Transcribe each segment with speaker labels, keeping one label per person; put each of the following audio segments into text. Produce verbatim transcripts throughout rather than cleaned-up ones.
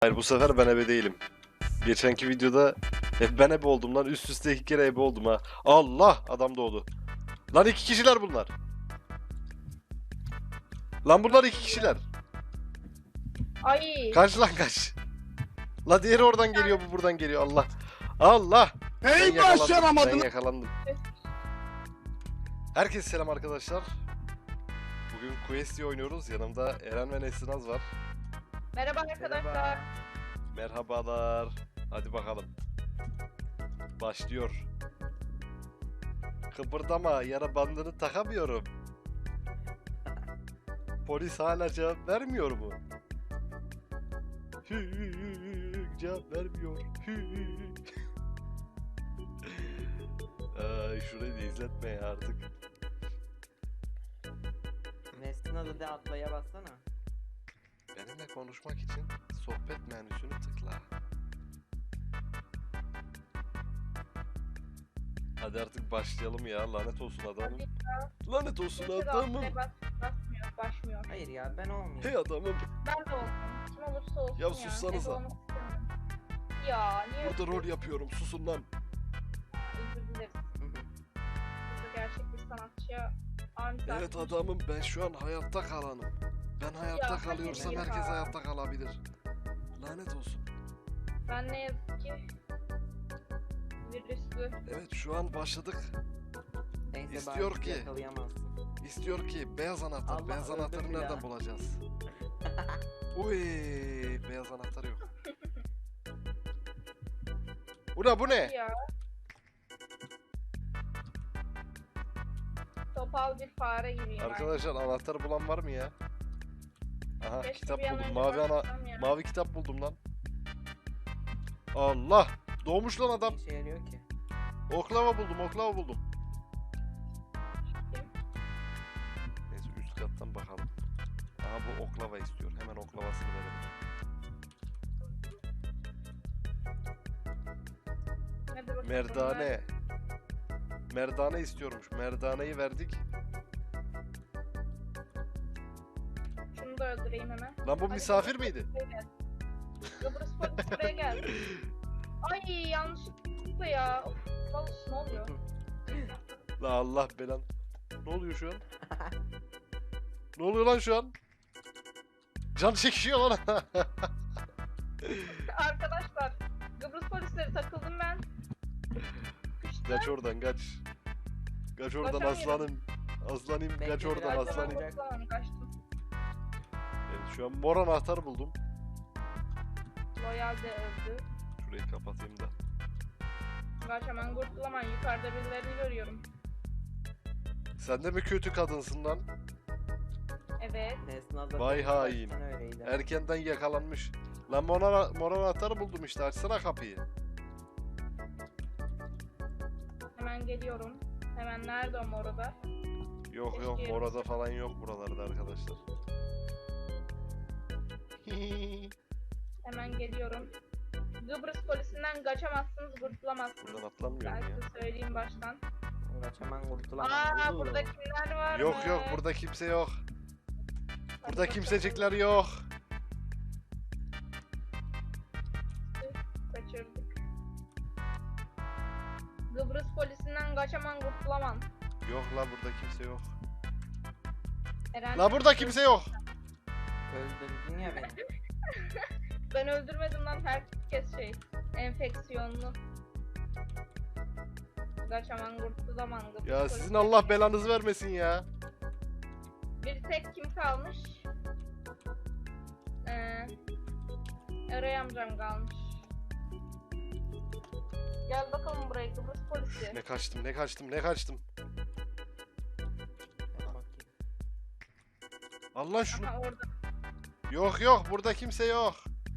Speaker 1: Hayır, bu sefer ben ebe değilim. Geçenki videoda hep ben ebe oldum lan. Üst üste iki kere ebe oldum ha. Allah! Adam doğdu. Lan iki kişiler bunlar. Lan bunlar iki kişiler.
Speaker 2: Ay.
Speaker 1: Kaç lan kaç. La diğeri oradan geliyor, bu buradan geliyor. Allah. Allah!
Speaker 3: Hey
Speaker 1: Ben
Speaker 3: başaramadın.
Speaker 1: Ben yakalandım. Herkese selam arkadaşlar. Bugün Quest'i oynuyoruz. Yanımda Eren ve Nesrinaz var.
Speaker 2: Merhaba arkadaşlar.
Speaker 1: Merhabalar. Hadi bakalım. Başlıyor. Kıpırdama, yara bandını takamıyorum. Polis hala cevap vermiyor mu? Hü, cevap vermiyor. Hü. Ay, şurayı da izletme ya artık.
Speaker 4: Nesrin adı de atlaya bassana.
Speaker 1: Benimle konuşmak için sohbet menüsünü tıkla. Hadi artık başlayalım ya. Lanet olsun adamım. Lanet olsun
Speaker 2: Kimse de
Speaker 1: adamım.
Speaker 2: atlaya bas, basmıyor, başmıyor.
Speaker 4: Hayır ya ben olmayayım.
Speaker 1: Hey adamım.
Speaker 2: Ben de olsun. Kim olursa olsun
Speaker 1: Ya
Speaker 2: ya.
Speaker 1: sussanıza.
Speaker 2: Ebe olmak istemiyorum. Ya niye
Speaker 1: Burada rol
Speaker 2: öpüyorsun?
Speaker 1: yapıyorum. Susun lan.
Speaker 2: Özür dileriz. Burada gerçek bir sanatçıya aniden.
Speaker 1: Evet adamım, ben şu an hayatta kalanım. Ben hayatta
Speaker 2: Ya, hadi
Speaker 1: kalıyorsam
Speaker 2: ya.
Speaker 1: herkes hayatta kalabilir. Lanet olsun.
Speaker 2: Ben ne yazık ki virüslü.
Speaker 1: Evet, şu an başladık.
Speaker 4: Neyse
Speaker 1: İstiyor
Speaker 4: bari
Speaker 1: ki-
Speaker 4: yakalayamazsın.
Speaker 1: İstiyor ki beyaz anahtar.
Speaker 4: Allah
Speaker 1: beyaz
Speaker 4: öldür
Speaker 1: anahtarı
Speaker 4: bir
Speaker 1: nereden
Speaker 4: daha.
Speaker 1: bulacağız? Uy, beyaz anahtar yok. Bu ne bu ne?
Speaker 2: Ya. Topal bir fare gibiyim.
Speaker 1: Arkadaşlar, anahtarı bulan var mı ya? Aha,
Speaker 2: Keşke
Speaker 1: kitap
Speaker 2: bir an
Speaker 1: buldum.
Speaker 2: önce
Speaker 1: Mavi ana
Speaker 2: başlasam ya.
Speaker 1: mavi kitap buldum lan. Allah! Doğmuş lan adam.
Speaker 4: Ne işe yarıyor ki?
Speaker 1: Oklava buldum, oklava buldum. Neyse, üst kattan bakalım. Aha, bu oklava istiyor. Hemen oklavasını verelim.
Speaker 2: Hadi bakalım.
Speaker 1: Merdane. Merdane istiyormuş. Merdaneyi verdik.
Speaker 2: Şunu da öldüreyim hemen.
Speaker 1: Lan bu
Speaker 2: Hadi
Speaker 1: misafir
Speaker 2: Kıbrıs
Speaker 1: miydi?
Speaker 2: polisi buraya gel. Kıbrıs polisi buraya gel. Ay yanlışlıkla ya. Of, vallahi ne oluyor?
Speaker 1: La Allah belan. Ne oluyor şu an? Ne oluyor lan şu an? Can çekişiyor lan.
Speaker 2: Arkadaşlar Kıbrıs polisleri takıldım ben. Kışta.
Speaker 1: Kaç oradan kaç. Kaç oradan
Speaker 2: Kaçamıyorum.
Speaker 1: aslanım. Aslanım kaç
Speaker 4: Bekle
Speaker 1: oradan
Speaker 4: biraz,
Speaker 1: aslanım.
Speaker 4: tamam.
Speaker 2: Aslanım kaçtım.
Speaker 1: Evet, şu an mor anahtarı buldum.
Speaker 2: Loyal de öldü.
Speaker 1: Şurayı kapatayım da.
Speaker 2: Kaç hemen kurtulaman yukarıda birilerini görüyorum.
Speaker 1: Sen de mi kötü kadınsın lan?
Speaker 2: Evet.
Speaker 4: Nesrin adı
Speaker 1: Vay
Speaker 4: baştan
Speaker 1: hain.
Speaker 4: öyleydi.
Speaker 1: Erkenden yakalanmış. Lan mor, ana- mor anahtarı buldum işte. Açsana kapıyı.
Speaker 2: Hemen geliyorum. Hemen nerede o morada?
Speaker 1: Yok yok,
Speaker 2: Keşke
Speaker 1: morada falan yok buralarda arkadaşlar.
Speaker 2: Hemen geliyorum. Kıbrıs polisinden kaçamazsınız, kurtulamazsınız.
Speaker 1: Buradan atlanmıyor
Speaker 2: Ben
Speaker 1: mu ya?
Speaker 2: size söyleyeyim baştan.
Speaker 4: Kaçaman kurtulamam.
Speaker 2: Aa
Speaker 4: Uuu.
Speaker 2: burada kimler var
Speaker 1: Yok
Speaker 2: mı?
Speaker 1: yok, burada kimse yok.
Speaker 2: Hadi
Speaker 1: Burada
Speaker 2: bakalım.
Speaker 1: kimsecikler yok.
Speaker 2: Kaçırdık. Kıbrıs polisinden kaçaman kurtulamam.
Speaker 1: Yok la, burada kimse yok.
Speaker 2: Eren,
Speaker 1: La burada kimse yok.
Speaker 4: Öldürdün ya beni.
Speaker 2: Ben öldürmedim lan, herkes şey enfeksiyonlu. Kaçaman kurtulamam. Kıbrıs
Speaker 1: Ya
Speaker 2: polisi.
Speaker 1: sizin Allah belanızı vermesin ya.
Speaker 2: Bir tek kim kalmış? Ee, Eray amcam kalmış. Gel bakalım buraya Kıbrıs polisi.
Speaker 1: Ne kaçtım, ne kaçtım, ne kaçtım.
Speaker 4: Ben bakayım.
Speaker 1: Allah şunu.
Speaker 2: Aha orada.
Speaker 1: Yok yok, burada kimse yok.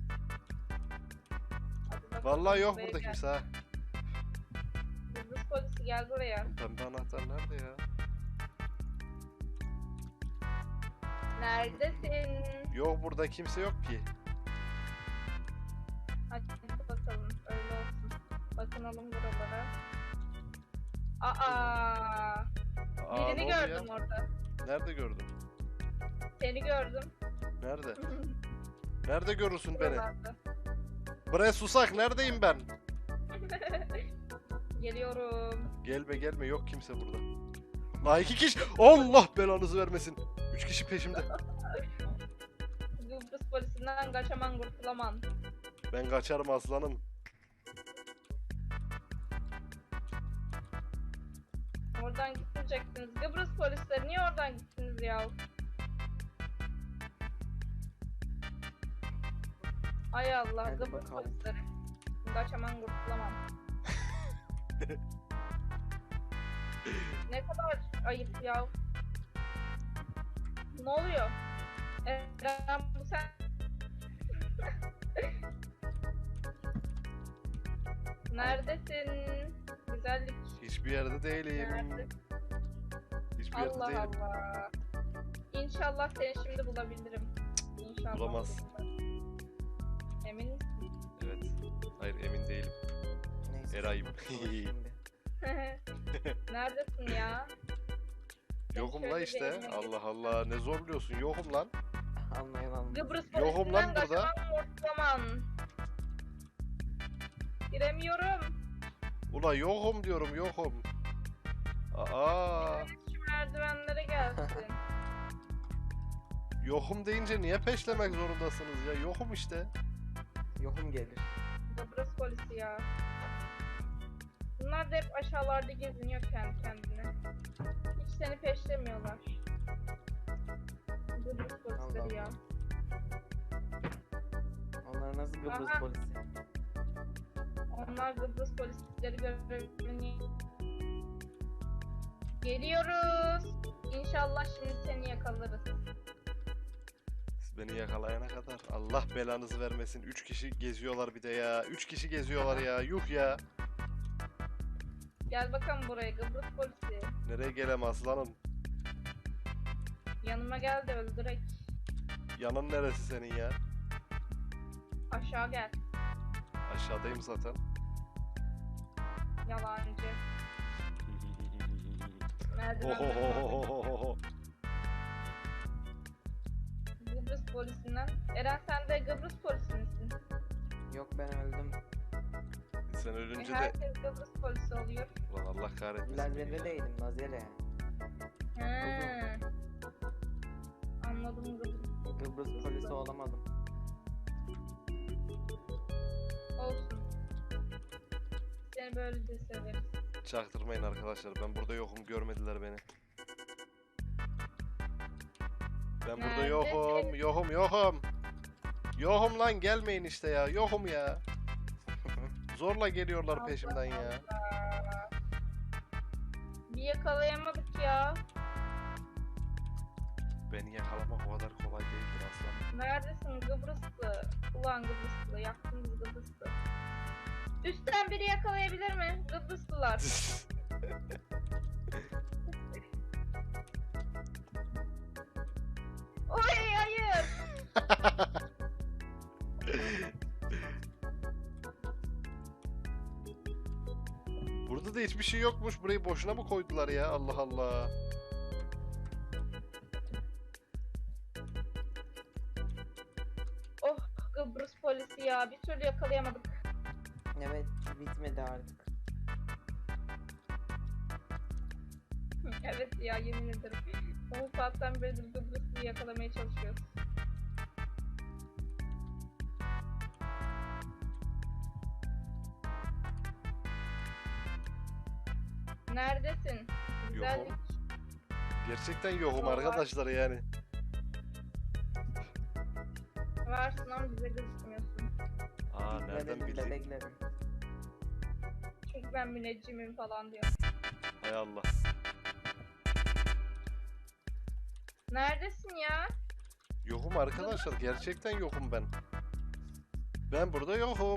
Speaker 2: Hadi bakalım,
Speaker 1: Vallahi yok
Speaker 2: buraya
Speaker 1: burada
Speaker 2: gel.
Speaker 1: kimse ha.
Speaker 2: Kıbrıs polisi gel buraya.
Speaker 1: Pembe anahtar nerede ya?
Speaker 2: Neredesin?
Speaker 1: Yok, burada kimse yok ki.
Speaker 2: Hadi bakalım öyle olsun. Bakınalım buralara. Aa!
Speaker 1: Aa, ne
Speaker 2: Birini
Speaker 1: oldu ya?
Speaker 2: gördüm orada.
Speaker 1: Nerede gördün?
Speaker 2: Seni gördüm.
Speaker 1: Nerede? Nerede görürsün beni?
Speaker 2: Buralarda.
Speaker 1: Bre susak neredeyim ben?
Speaker 2: Geliyorum.
Speaker 1: Gelme gelme yok kimse burada. La iki kişi. Allah belanızı vermesin. Üç kişi peşimde.
Speaker 2: Kıbrıs polisinden kaçaman kurtulaman.
Speaker 1: Ben kaçarım aslanım.
Speaker 2: Oradan gitmeyecektiniz. Kıbrıs polisleri niye oradan gittiniz ya? Ay Allah,
Speaker 4: Hadi
Speaker 2: Kıbrıs
Speaker 4: bakalım.
Speaker 2: polisleri. Kaçaman kurtulamam. Ne kadar ayıp ya. Ne oluyor? Eren bu sen... Neredesin? Güzellik.
Speaker 1: Hiçbir yerde değilim.
Speaker 2: Nerede?
Speaker 1: Hiçbir yerde
Speaker 2: Allah
Speaker 1: değilim.
Speaker 2: Allah. İnşallah seni şimdi bulabilirim. İnşallah.
Speaker 1: Bulamaz.
Speaker 2: bulabilirim. Emin misin?
Speaker 1: Evet. Hayır emin değilim.
Speaker 4: Neyse.
Speaker 1: Eray'ım.
Speaker 4: Dur şimdi.
Speaker 2: Neredesin ya?
Speaker 1: Yokum la
Speaker 2: Şöyle bir
Speaker 1: işte.
Speaker 2: elime
Speaker 1: Allah Allah ne zorluyorsun. Yokum lan.
Speaker 4: Anlayın anlayın.
Speaker 2: Kıbrıs
Speaker 1: Yokum lan
Speaker 2: polisinden
Speaker 1: burada.
Speaker 2: kaçamam ortaman. Giremiyorum.
Speaker 1: Ula yokum diyorum yokum. Aa,
Speaker 2: Biriniz şu merdivenlere gelsin.
Speaker 1: yokum deyince niye peşlemek zorundasınız ya? Yokum işte.
Speaker 4: Yokum gelir.
Speaker 2: Kıbrıs polisi ya. Bunlar da hep aşağılarda geziniyor kendi kendine. Hiç seni peşlemiyorlar. Kıbrıs polisleri
Speaker 4: Allah
Speaker 2: ya.
Speaker 4: Onlar nasıl Kıbrıs
Speaker 2: Aha.
Speaker 4: polisi?
Speaker 2: Onlar Kıbrıs polisleri görevini... Geliyoruz. İnşallah şimdi seni yakalarız.
Speaker 1: Siz beni yakalayana kadar Allah belanızı vermesin. Üç kişi geziyorlar bir de ya. Üç kişi geziyorlar ya. Yuh ya.
Speaker 2: Gel bakalım buraya Kıbrıs polisi.
Speaker 1: Nereye gelem aslanım?
Speaker 2: Yanıma gel de öldürek.
Speaker 1: Yanın neresi senin ya?
Speaker 2: Aşağı gel.
Speaker 1: Aşağıdayım zaten.
Speaker 2: Yalancı. Merdivenlerden
Speaker 1: Ohohohohoho.
Speaker 2: Kıbrıs polisinden. Eren sen de Kıbrıs polisi misin?
Speaker 4: Yok ben öldüm.
Speaker 1: Sen
Speaker 2: E,
Speaker 1: ölünce de
Speaker 2: herkes Kıbrıs polisi oluyor.
Speaker 1: ulan Allah kahretmesin.
Speaker 4: Lazer'de değilim Lazer'e.
Speaker 2: He. Anladım Kıbrıs.
Speaker 4: Kıbrıs polisi olamadım.
Speaker 2: Olsun. Seni böyle de severiz.
Speaker 1: Çaktırmayın arkadaşlar. Ben burada yokum. Görmediler beni. Ben burada
Speaker 2: Nerede?
Speaker 1: yokum. Yokum yokum. Yokum lan gelmeyin işte ya. Yokum ya. Zorla geliyorlar peşimden ya.
Speaker 2: Allah. Bir yakalayamadık ya.
Speaker 1: Beni yakalamak o kadar kolay değildir aslanım.
Speaker 2: Neredesin Kıbrıslı? Ulan Kıbrıslı. Yaktın bizi Kıbrıslı. Üstten biri yakalayabilir mi? Kıbrıslılar. Oy hayır.
Speaker 1: Burada da hiçbir şey yokmuş. Burayı boşuna mı koydular ya? Allah Allah.
Speaker 2: Oh Kıbrıs polisi ya. Bir türlü yakalayamadık.
Speaker 4: Evet bitmedi artık.
Speaker 2: Evet ya yemin ederim. on saatten beridir Kıbrıslı'yı yakalamaya çalışıyoruz. Neredesin? Güzellik.
Speaker 1: Gerçekten yokum
Speaker 2: Yok, var.
Speaker 1: arkadaşlar yani.
Speaker 2: Varsın ama bize gözükmüyorsun.
Speaker 1: Aa nereden
Speaker 4: Bekledim,
Speaker 1: bildin?
Speaker 4: bekledim.
Speaker 2: Çünkü ben müneccimim falan diyor.
Speaker 1: Hay Allah.
Speaker 2: Neredesin ya?
Speaker 1: Yokum arkadaşlar. Gerçekten yokum ben. Ben burada yokum.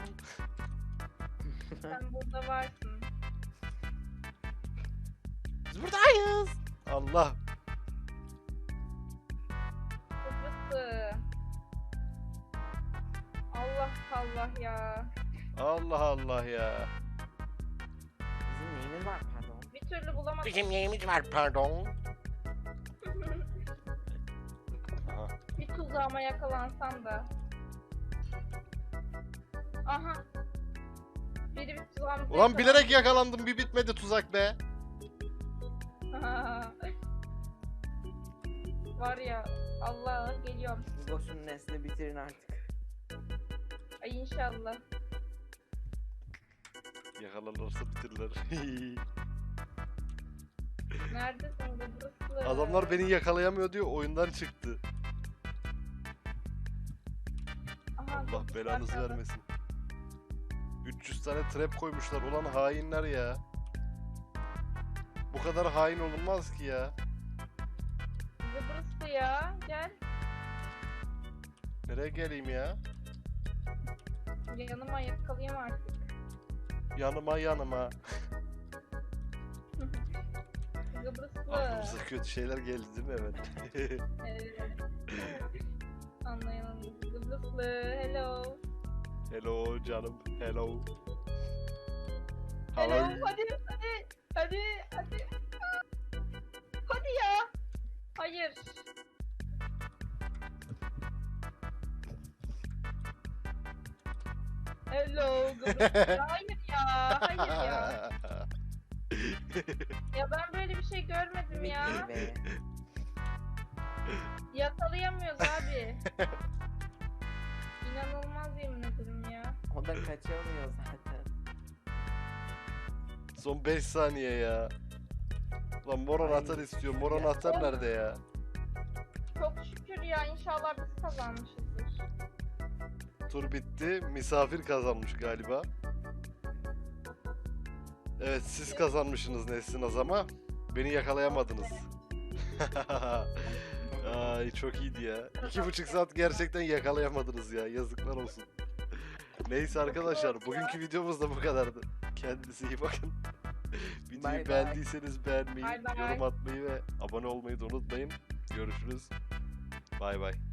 Speaker 2: Sen burada varsın.
Speaker 1: Biz buradayız. Allah.
Speaker 2: Kıbrıslı. Allah Allah ya.
Speaker 1: Allah Allah ya.
Speaker 4: Bizim neyimiz var pardon.
Speaker 2: Bir türlü bulamadım.
Speaker 1: Bizim neyimiz var pardon? Aha.
Speaker 2: Bir tuzağıma yakalansam da. Aha. Ulan,
Speaker 1: Ulan bilerek yakalandım, bir bitmedi tuzak be.
Speaker 2: Var ya, Allah geliyorum.
Speaker 4: Boşun nesli bitirin artık.
Speaker 2: Ay inşallah.
Speaker 1: Yakalanırsa bitirirler.
Speaker 2: Neredesin Kıbrıslı?
Speaker 1: Adamlar beni yakalayamıyor diyor, oyundan çıktı.
Speaker 2: Aha,
Speaker 1: Allah
Speaker 2: Kıbrıs
Speaker 1: belanızı
Speaker 2: arkada.
Speaker 1: vermesin. üç yüz tane trap koymuşlar, ulan hainler ya. Bu kadar hain olunmaz ki ya.
Speaker 2: Kıbrıslı ya, gel.
Speaker 1: Nereye geleyim ya?
Speaker 2: Yanıma yakalayayım artık.
Speaker 1: Yanıma yanıma.
Speaker 2: Kıbrıslı.
Speaker 1: Aklımıza kötü şeyler geldi değil mi hemen?
Speaker 2: Evet. Anlayalım. Kıbrıslı, hello.
Speaker 1: Hello canım, hello.
Speaker 2: Hello,
Speaker 1: Hello.
Speaker 2: hadi, hadi, hadi, hadi. Hadi ya. Hayır. Hello, Kıbrıslı. Hayır ya, hayır ya. Ya ben böyle bir şey görmedim ya.
Speaker 4: Bitti be.
Speaker 2: Yakalayamıyoruz abi. İnanılmaz yemin ederim ya.
Speaker 4: O da kaçamıyor zaten.
Speaker 1: Son beş saniye ya. Lan mor
Speaker 4: Ay,
Speaker 1: anahtar istiyor. Mor
Speaker 4: ya.
Speaker 1: anahtar nerede ya?
Speaker 2: Çok şükür ya, inşallah biz kazanmışızdır.
Speaker 1: Tur bitti. Misafir kazanmış galiba. Evet, siz kazanmışsınız Nesrin ama beni yakalayamadınız. Ay çok iyiydi ya. İki buçuk saat gerçekten yakalayamadınız ya. Yazıklar olsun. Neyse arkadaşlar, bugünkü videomuz da bu kadardı. Kendinize iyi bakın. Videoyu
Speaker 4: Bye bye.
Speaker 1: beğendiyseniz beğenmeyi,
Speaker 2: Bye bye.
Speaker 1: yorum atmayı ve abone olmayı da unutmayın. Görüşürüz. Bay bay.